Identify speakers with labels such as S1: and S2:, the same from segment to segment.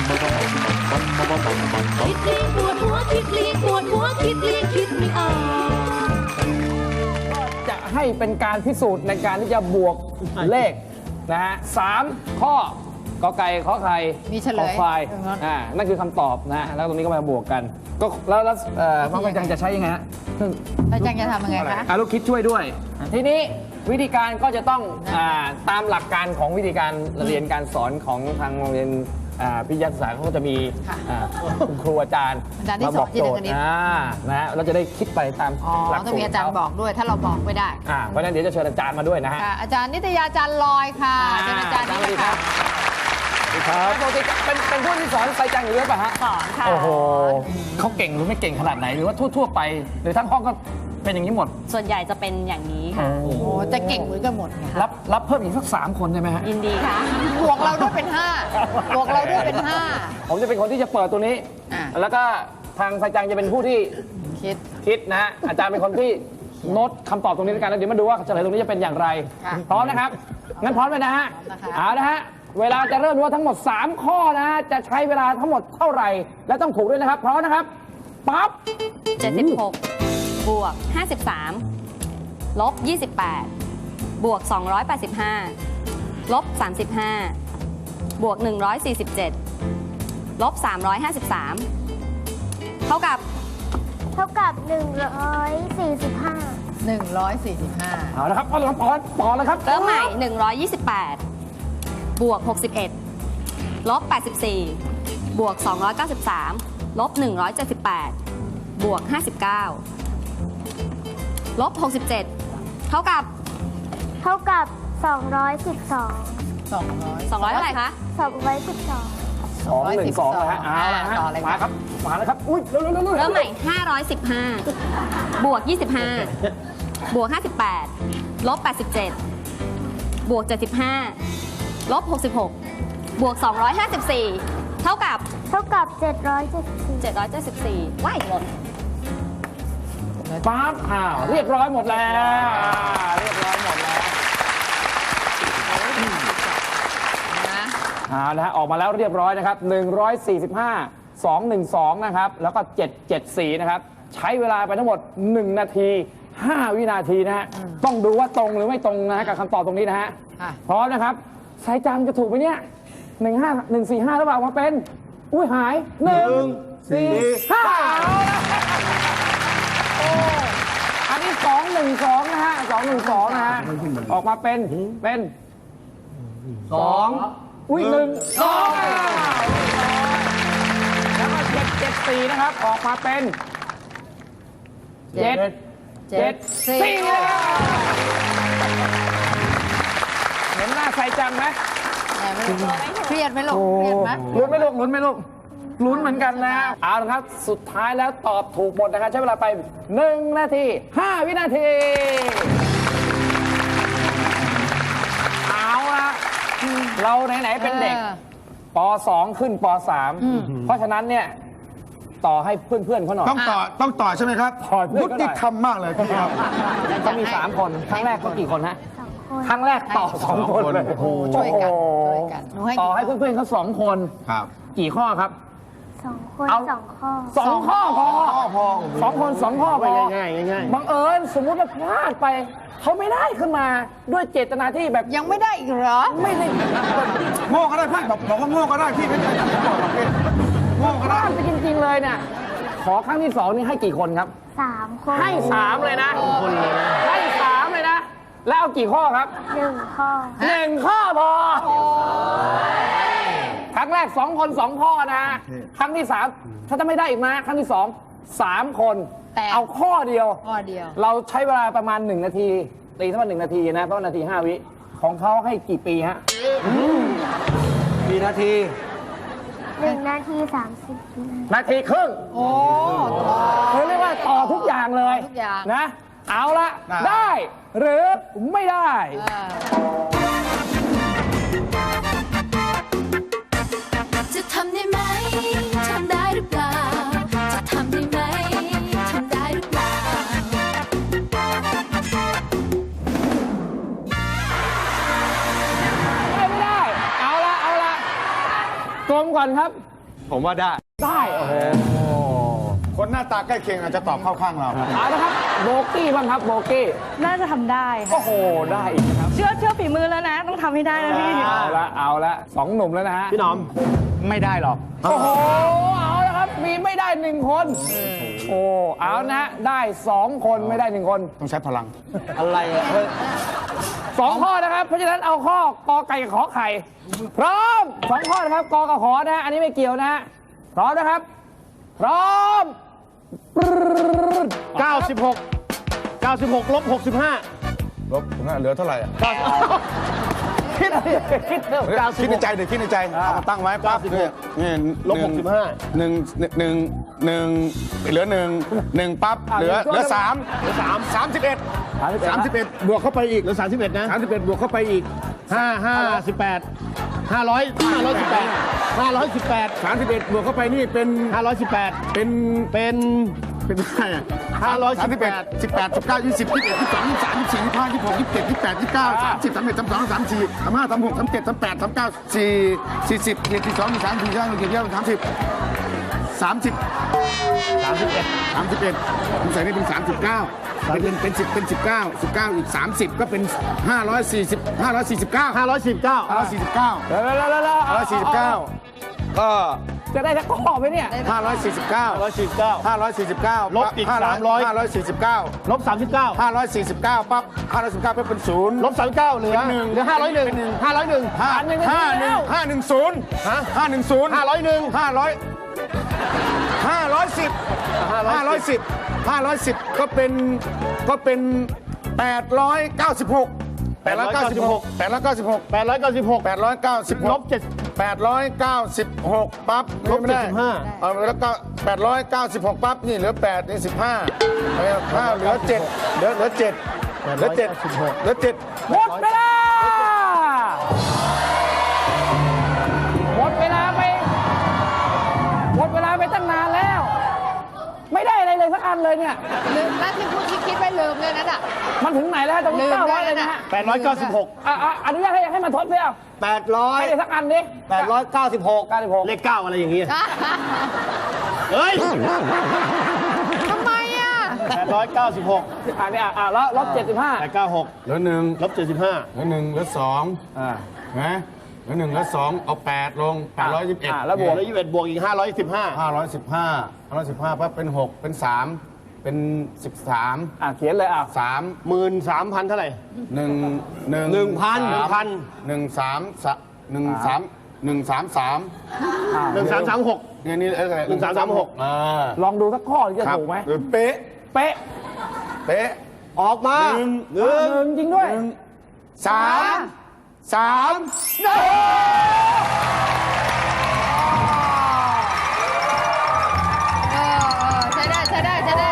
S1: คิดลีปวดหัวคิดลีปวดหัวคิดลีคิดไม่ออก
S2: จะให้เป็นการพิสูจน์ในการที่จะบวกเลขนะฮะ3 ข้อกอไก่ขอไข่
S3: มีเฉลย
S2: ขอควายนั่นคือคำตอบนะแล้วตรงนี้ก็มาบวกกันก็แล้วน้องกระจังจะใช้ยังไงฮะ
S3: แล้วจังจะทำยังไงคะ
S2: ลูกคิดช่วยด้วย ทีนี้วิธีการก็จะต้องตามหลักการของวิธีการเรียนการสอนของทางโรงเรียนพิทยาศึกษาเขาก็จะมีคุณครูอาจารย์มาบอกโจทย์นะฮะเราจะได้คิดไปตามหลัก
S3: ต้องมีอาจารย์บอกด้วยถ้าเราบอกไม่ได้
S2: เพราะฉะนั้นเดี๋ยวจะเชิญอาจารย์มาด้วยนะฮะ
S3: อาจารย์นิตยาจันลอยค่ะเป็นอาจารย์นี่ค่ะ
S2: ครับปกติเป็นผู้ที่สอนไซจังอยู่ด้วยป่ะฮะ
S4: สอนค่ะ
S2: โอ้โหเขาเก่งหรือไม่เก่งขนาดไหนหรือว่าทั่วๆไปหรือทั้งห้องก็เป็นอย่างนี้หมด
S4: ส่วนใหญ่จะเป็นอย่างนี้ค่ะ
S3: โอ้จะเก่งเหมือนกันหมดค่ะ
S2: รับเพิ่มอีกสัก3 คนได้ไหมฮะ
S4: ยินดีค่ะ
S3: บวกเราด้วยเป็น5บวกเราด้วยเป็น5
S2: ผมจะเป็นคนที่จะเปิดตัวนี้แล้วก็ทางไซจังจะเป็นผู้ที่คิดนะฮะอาจารย์เป็นคนที่โน้ตคำตอบตรงนี้ด้วยกันแล้วเดี๋ยวมาดูว่าเฉลยตรงนี้จะเป็นอย่างไรพร้อมนะครับงั้นพร้อมเลยนะฮะเอาละฮะเวลาจะเริ่มว่าทั้งหมด3 ข้อนะจะใช้เวลาทั้งหมดเท่าไหร่และต้องถูกด้วยนะครับพร้อมนะครับปั๊บ
S4: 76บวก53ลบ28บวก285ลบ35บวก147ลบ353เท่ากับ
S3: 145
S2: เอาละครับปอนเลยครับ
S4: เริ่มใหม่128บวก61ลบ84บวก293ลบ178บวก59ลบ67เท่ากับ
S3: 200
S4: เท่าไหร่คะ
S2: 212นะฮะเอาละฮะมาครับมาแล้วครับอุ้ยเ
S4: ริ่มใหม่515บวก25บวก58ลบ87บวก75ลบ66บวก254เท่ากับ774ว้ายหมด
S2: ปั๊บเรียบร้อยหมดแล้วเรียบร้อยหมดแล้วนะฮะออกมาแล้วเรียบร้อยนะครับ145 212นะครับแล้วก็774นะครับใช้เวลาไปทั้งหมด1 นาที 5 วินาทีนะฮะต้องดูว่าตรงหรือไม่ตรงนะกับคำตอบตรงนี้นะฮะพร้อมนะครับไซจังจะถูกไหมเนี่ย145แล้วออกมาเป็นอุ้ยหาย145อันนี้212นะฮะ212นะฮะออกมาเป็น2อุ้ย1 2แล้วก็774นะครับออกมาเป็น774เห็นหน้าใครจังไหม
S3: เครียดไหมลูกเครียดไหม
S2: ลุ้นไหมลูกลุ้นเหมือนกันนะเอาละครับสุดท้ายแล้วตอบถูกหมดนะครับใช้เวลาไป1 นาที 5 วินาทีเอาละเราไหนๆเป็นเด็กป .2 ขึ้นป .3 เพราะฉะนั้นเนี่ยต่อให้เพื่อนๆเขาหน่อย
S5: ต้องต่อใช่ไหมครับยุติธรรมมากเลยพี่ครับ
S2: ก็มี3 คนครั้งแรกเขากี่คนฮะครั้งแรกต่อ2 คนเลย
S3: ช่วยกัน
S2: ต่อให้เพื่อนๆเขา2 คนกี่ข้อครับ
S1: 2 คน2 ข้อ
S2: 2 ข้อพอ2 คน 2 ข้อไปง่ายบังเอิญสมมุติว่าพลาดไปเขาไม่ได้ขึ้นมาด้วยเจตนาที่แบบ
S3: ยังไม่ได้อีกเหรอ
S2: ไม่ได้
S5: โง่ก็ได้พี่บอกว่าโง่ก็ได้พี่ไม่ได้บอกหรอกพี่โง่ก็ได้
S2: ไปจริงๆเลยเนี่ยขอครั้งที่2นี่ให้กี่คนครับ
S1: 3 คน
S2: ให้3เลยนะให้3เลยนะแล้วเอากี่ข้อครับ
S1: 1 ข้อ
S2: 1 ข้อพอครั้งแรก2 คน 2 ข้อนะครั้งที่3ถ้าจะไม่ได้อีกนะครั้งที่2 3 คนเอาข้อเดียวเราใช้เวลาประมาณ1 นาทีตีทั้งหมด1 นาทีนะเพราะ1 นาที 5 วิของเขาให้กี่ปีฮะ
S5: กี่นาที
S1: 1 นาที 30
S2: นาทีครึ่งโอ้เขาเรียกว่าต่อทุกอย่างเลยนะเอาละได้หรือไม่ได้
S1: จะทำได้ไหมทำได้หรือเปล่าจะทำได้ไหมทำได้หรือเปล่า
S2: ไม่ได้เอาละกลมก่อนครับ
S5: ผมว่าได้
S2: ได้โอ้โห
S5: คนหน้าตาใกล้เคียงอาจจะตอบเข้าข้างเรา
S2: เอาละครับโบกี้บ้างครับโบกี้
S6: น่าจะทำได้ค่ะ
S2: โอ้โหได้อีกนะครับ
S6: เชื่อฝีมือแล้วนะ ต้องทำให้ได้นะพี่
S2: เอาละสองหนุ่มแล้วนะฮะ
S7: พี่หน้อมไม่ได้หรอก
S2: โอ้โหเอาละครับมีไม่ได้หนึ่งคนโอ้เอานะได้สองคนไม่ได้หนึ่งคน
S5: ต้องใช้พลัง
S7: อะไรอ่ะเฮ้ย
S2: สองข้อนะครับ เพราะฉะนั้นเอาข้อกอไก่กับขอไข่ พร้อมสองข้อนะครับกอกับขอนะฮะอันนี้ไม่เกี่ยวนะฮะพร้อมนะครับ พร้อม
S7: 96 96ลบ65
S5: ลบตรงนั้นเหลือเท่าไหร่อะ
S2: คิดเร็ว
S5: คิดในใจเดี๋ยวคิดในใจเอามาตั้งไว้ปั๊บเนี่ยนี่
S7: ลบ
S5: หนึ่งเหลือหนึ่งปั๊บเหลือสาม31บวกเข้าไปอีก
S7: 65เหลือ31นะ
S5: 31บวกเข้าไปอีก
S7: 518 518
S5: 31บวกเข้าไปนี่เป็น
S7: 518
S5: เป็น
S7: เป็น
S5: เป็นเท่าไหร่อะ
S7: 518
S5: 18 19 20 21 22 23 24 25 26 27 28 29 30 31 32 34 35 36 37 38 39 40 42 43 44 30 ผมใส่นี่เป็น 39เป็น10เป็น19อีก30ก็เป็น549 ก็
S2: จะได้สักข้อไหมเนี่ย
S5: 549
S7: ลบอีก300 ลบ 39
S5: 549ปั๊บ549เป็น0
S7: ลบ 39เหลือ
S5: เป็นหนึ่ง
S7: เหลือ 501 501
S5: 510
S7: ฮะ
S5: 510
S7: 501
S5: 510ก็เป็น896
S7: 896 ลบ7
S5: 896ปั๊บ
S7: ลบ
S5: ไม่ได้
S7: 75
S5: เอาแล้วก็896ปั๊บนี่เหลือ8นี่15เหลือ7เหลือ7
S2: หมดเวลาหมดเวลาไปตั้งนานแล้ว ไม่ได้อะไรเลยสักอันเลยเนี่ย
S3: ลืมนะที่พูดที่คิดไว้ลืมเลยนั่นอ่ะ
S2: มันถึงไหนแล้วตรงนี้
S3: ลืม
S2: 900
S3: ได้
S2: เลยนะฮะ
S7: 896
S2: อนุญาตให้มันทดเพียวให้ได้สักอันดิ
S7: 896 เลข 9 อะไรอย่างเงี้ยเฮ้ย
S3: ทำไมอ่ะ
S7: 896
S2: อันนี้แล้วลบ75
S7: 896
S5: เหลือ1
S7: ลบ 75
S5: เหลือ1เหลือ2นะเหลือ1เหลือ2เอา8ลง821
S2: แล้วบวก
S7: แล้ว21บวกอีก 515
S5: 515ปั๊บเป็น6เป็น3เป็น13
S2: เขียนเลย
S5: 3
S7: 13,000 เท่าไหร่ 1336
S5: นี่อะไร
S7: 1336
S2: ลองดูสักข้อที่จะถูกไหม
S5: เป๊ะ
S2: เป๊ะ
S7: ออกมา
S2: หนึ่งจริงด้วย
S3: ใช้ได้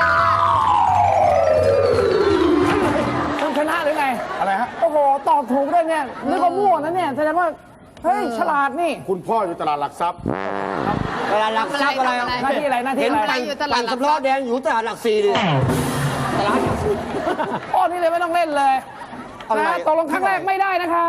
S2: คุณชนะหรือไง
S5: อะไรฮะ
S2: โอ้โห ตอบถูกด้วยเนี่ยนึกว่ามั่วนะเนี่ยแสดงว่า เฮ้ย ฉลาดนี่
S5: คุณพ่ออยู่ตลาดหลักทรัพย์
S7: เวลาหลักทรัพย์อะไร
S2: หน้าที่อะไร หน้าที่อะไร
S3: อยู่ตลาดหลักทรัพย์
S7: สำล้อแดงอยู่ตลาดหลัก4ดิตลาดหลัก4
S2: ข้อนี้เลยไม่ต้องเล่นเลย
S7: อะไร
S2: นะตกลงครั้งแรกไม่ได้นะครับ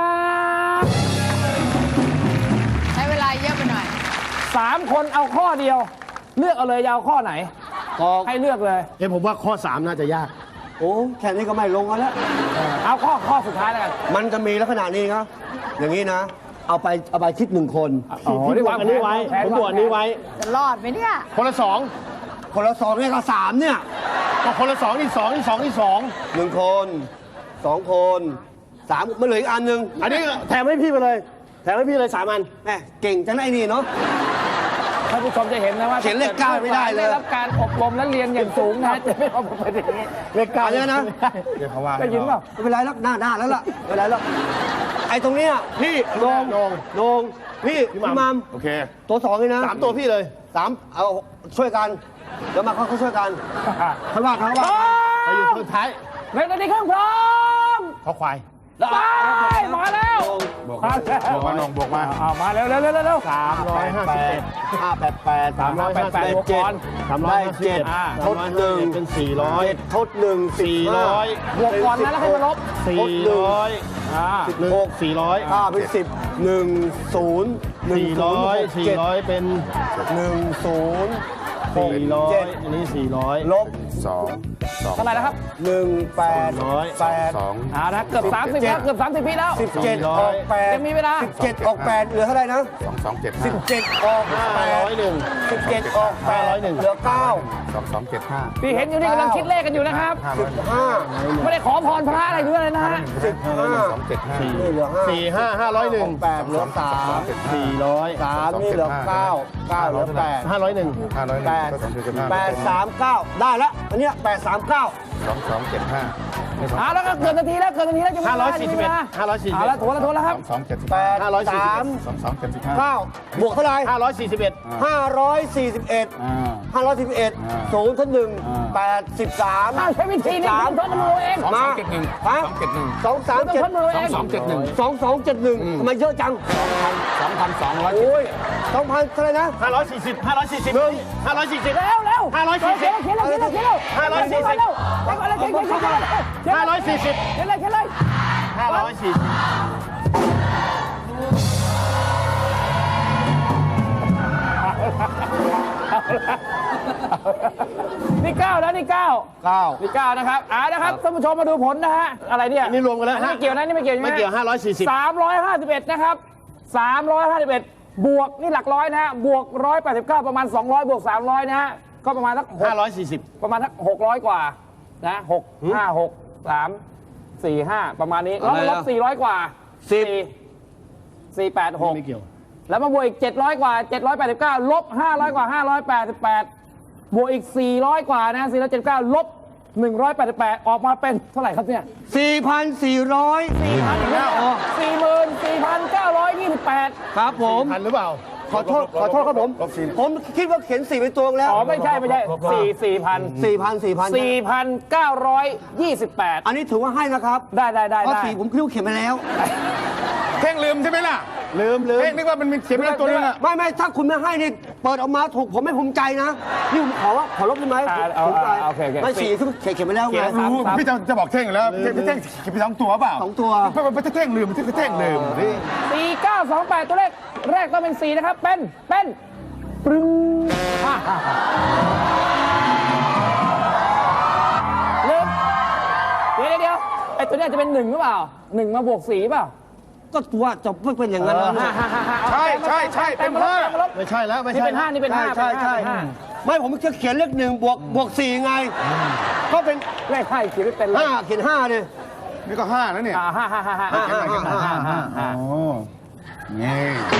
S3: ใช้เวลาเยอะไปหน่อย
S2: 3 คนเอาข้อเดียว เลือกเอาเลยจะเอาข้อไหน ให้เลือกเลย
S7: ผมว่าข้อ 3 น่าจะยาก
S8: โอ้แค่นี้ก็ไม่ลงกันแล้ว
S2: เอาข้อสุดท้ายแล้วกัน
S8: มันจะมีลักษณะนี้ครับ อย่างนี้นะ เอาไปคิด1 คน
S2: อ๋อ
S7: พี่บวกอันนี้ไว้ ผมบวกอันนี้ไว้
S3: จะรอดไหมเนี่ย
S7: คนละ
S8: คนละ2เนี่ยก็3เนี่ย
S7: 2ก็คนละ2นี่2นี่2นี่2
S8: 1 คน 2 คน3มันเหลืออีกอันหนึ่ง
S7: อันนี้แถมให้พี่ไปเลย แถมให้พี่เลย3 อัน
S8: แหมเก่งจังไอ้นี่เนาะ
S2: ท่านผู้ชมจะเห็นนะว่า
S8: เขียนเลข9ไม่ได้เลย
S2: ได้รับการอบรมและเรียนอย่างสูงนะจะไม่เอาไปอย่างนี้
S7: เลข 9
S8: เอาเนี่ยนะ
S5: เดี๋ยวเขาว่า
S2: ได้ยินเปล่า
S8: ไม่เป็นไรแล้วหน้าแล้วล่ะไม่เป็นไรแล้วไอ้ตรงเนี้ยพี่โดงพี่มัม
S5: โอเค
S8: ตัว2นี่นะ
S7: 3 ตัวพี่เลย
S8: 3เอาช่วยกันเดี๋ยวมาเขาช่วยกันเขาว่า
S2: พร้อ
S7: ไปอยู่
S2: ม
S7: สุดท้าย
S2: ในนาทีครึ่งพร้อม
S7: ข้อควาย
S2: ไปมาแล้ว
S5: บวก
S2: มา
S5: มา
S2: แล้ว
S5: บวกมาน้องบวกมา
S2: มาเร็ว
S7: 351
S2: 388บวกก่อน
S7: 351ทด1เป็น400
S8: ทด1
S7: 400
S2: บวกก่อนนะแล้วค่อยมาลบ
S7: 400
S2: อ่า
S7: 6 400
S8: 5เป็น10 1 0
S7: 400เป็น 400 อันนี้ 400
S8: ลบ
S2: เท่าไหร่นะครับ
S8: 188
S2: เอาละเกือบ30แล้วเกือบ30ปีแล้ว
S8: 17 ออก
S2: ยังมีเวลา
S8: 8 17 ออก 8 เหลือเท่าไหร่นะ 17 ออก 8 17 ออก 8 เหลือ 9
S2: ที่เห็นอยู่นี่กำลังคิดเลขกันอยู่นะครับ
S8: 15
S2: ไม่ได้ขอพรพระอะไรด้วยเลยนะฮะ
S8: 15นี่เหลือ 5
S7: 4 5 501
S8: 8เหลือ 3
S7: 400
S8: 3นี่เหลือ 9 9 เหลือ 8
S7: 501
S8: 8 3 9 ได้แล้ว อันเนี้ย8 3 9
S2: เอาแล้วก็เกินนาทีแล้วเกินนาทีแล้วจะไม่ได้
S7: 541
S2: เอาละถูกแล้วครับ
S8: 8 3 9 บวกเท่าไหร่
S7: 541
S8: 541 541 0ทั้ง1 83
S2: ใช้วิธีนี้ทดมือเอง
S8: มาฮะ2 3 7
S2: ทดมือเอง
S8: 2271ทำไมเยอะจัง
S2: 2,200
S8: โอ้ย2,000เท่าไหร่นะ
S7: 540 540
S2: แล้วเร็ว
S7: 540
S2: เขียนเลย540
S7: 540
S2: นี่9แล้วนี่9
S8: 9
S2: นี่9นะครับนะครับท่านผู้ชมมาดูผลนะฮะอะไรเนี่ย
S7: นี่รวมกันแล้ว
S2: ไม่เกี่ยวนะนี่ไม่เกี่ยว
S7: ไม่เกี่ยว540
S2: 351นะครับ351บวกนี่หลักร้อยนะฮะบวก189ประมาณ200บวก300นะฮะก็ประมาณสัก
S7: 540
S2: ประมาณสัก600กว่านะ6 5 6 3 4 5ประมาณนี้แล้วลบ400กว่า4 486
S7: ไม่เกี่ยว
S2: แล้วมาบวกอีก700กว่า789ลบ500กว่า588บวกอีก400กว่านะ479ลบ188ออกมาเป็นเท่าไหร่ครับเนี่ย
S8: 4,400
S2: ครับผม
S7: ทันหรือเปล่า
S8: ขอโทษครับผมคิดว่าเขียน4เป็นตัวแล้ว
S2: อ๋อไม่ใช่4,928
S8: อันนี้ถือว่าให้นะครับ
S2: ได้
S8: เพราะ4ผมคิดว่าเขียนไปแล้ว
S5: เท่งลืมใช่ไหมล่ะ
S7: ลืม
S5: เท่งนึกว่ามันมีเขียนไปแล้วตัวนึงอะ
S8: ไม่ถ้าคุณไม่ให้นี่เปิดออกมาถูกผมไม่ภูมิใจนะนี่ผมขอลบได้ไหมภูมิใจไม่4ที่เขียนไปแล้วไง
S5: รู้พี่จะบอกเท่งแล้วพี่เท่งเขียนไป2 ตัวเปล่า
S8: 2 ตัว
S5: ไม่เท่งลืมเท่งลืมนี่
S2: 4928ตัวเลขแรกต้องเป็น4นะครับเป็นปรึ้งลืมเดี๋ยวไอ้ตัวนี้จะเป็น1หรือเปล่า1มาบวก4เปล่า
S8: ก็ว่าจะไม่เป็นอย่างนั้นแล้วนะ
S5: ใช่เป็น5
S7: ไม่ใช่แล้วไม่
S2: นี่
S7: ใช่
S2: เป็น5นี่เป็น5
S8: ใช่ไม่ผมจะเขียนเลข1บวก4ไงก็เป็น
S2: เลข5เขียนไม่เป็นเลย
S8: 5เขียน5เลย
S5: นี่ก็5แล้วเนี่ย
S2: 5
S5: โอ้นี่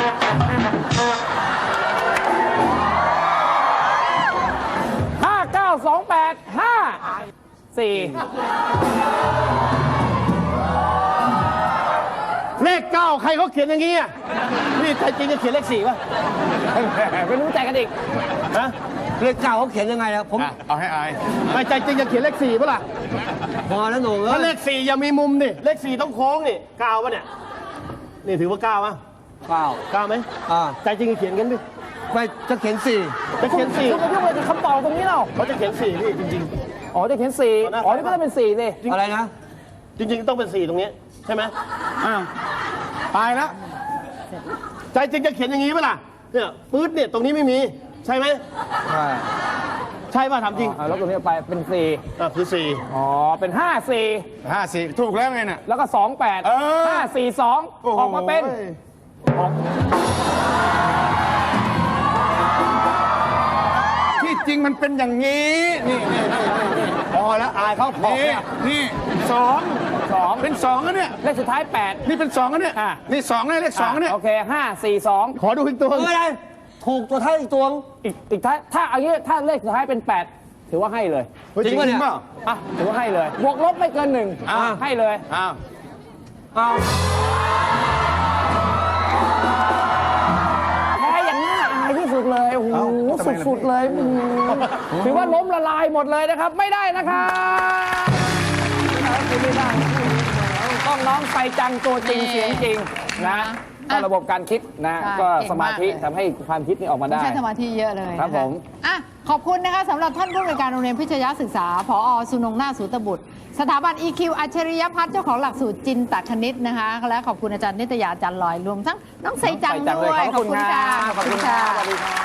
S7: เลข 9 ใครเขาเขียนอย่างงี้อ่ะนี่ใครจริงจะเขียนเลข 4 ป่ะ
S2: ไม่รู้ใจกันอีก
S7: ฮะ
S8: เลข9เขาเขียนยังไงนะผม
S5: เอาให้อาย
S7: ไม่ใจจริงจะเขียนเลข 4 ป่ะล่ะ
S8: พอแล้วหนู
S7: ถ้าเลข 4 อย่ามีมุมดิเลข 4 ต้องโค้งนี่9ป่ะเนี่ย นี่ถือว่า9ป่ะ 9ไหมใจจริงจะเขียนกันดิ
S8: ไม่จะเขียน
S7: จะเขียน 4
S2: คุณมายุ่งอะไรกับคำตอบตรงนี้เรา
S7: เขาจะเขียน 4 พี่จริง
S2: อ๋อจะเขียน4อ๋อนี่ก็ต้องเป็น4สิ
S8: อะไรนะ
S7: ๆ จริง ๆ ต้องเป็น 4 ตรงนี้ใช่ไหม
S5: อ้าวตายแล้ว
S7: ใจจริงจะเขียนอย่างงี้ป่ะล่ะเนี่ยปื๊ดเนี่ยตรงนี้ไม่มีใช่ไหม ใช่ป่ะถามจริง
S2: แล้วตรงนี้ไปเป็น4
S7: คือ
S2: อ๋อเป็น
S5: 54ถูกแล้วไงน่ะ
S2: 4แล้วก็28 542ออกมาเป็น
S5: ที่จริงมันเป็นอย่างนี้นี่
S8: พอแล้วอายเขาพอ
S5: นี่2เป็น2แล้วเนี่ย
S2: เลขสุดท้าย8
S5: นี่เป็น2แล้วเนี่ยนี่2แล้วเลข2เนี่ย
S2: โอเค542
S7: ขอดูอีกตัว
S8: ไม่ได้ถูกตัวท้ายอีกตัว
S2: อีกถ้าเอางี้ถ้าเลขสุดท้ายเป็น8ถือว่าให้เลย
S8: จริงป่ะเนี่ย
S2: ถือว่าให้เลยบวกลบไม่เกิน1ให้เลย
S8: เอา
S2: แพ้อย่างน่าอายที่สุดเลยโอ้โหสุดๆเลยถือว่าล้มละลายหมดเลยนะครับไม่ได้นะครับไม่ได้ต้องน้องไปจังตัวจริงเสียงจริงนะก็ระบบการคิดนะก็สมาธิทำให้ความคิดนี้ออกมาได้
S3: ใช้สมาธิเยอะเลย
S2: ครับผม
S3: ขอบคุณนะคะสำหรับท่านผู้อำนวยการโรงเรียนพิชยศึกษาผอ.สุนงนาถสูตบุตรสถาบัน EQ อัจฉริยพัฒน์เจ้าของหลักสูตรจินตคณิตนะคะ และขอบคุณอาจารย์นิตยาอาจารย์ลอยรวมทั้งน้องใส่จังด้วย
S2: ขอบคุณค่ะ
S3: ขอบคุณค่ะ
S2: สวัสดีครับ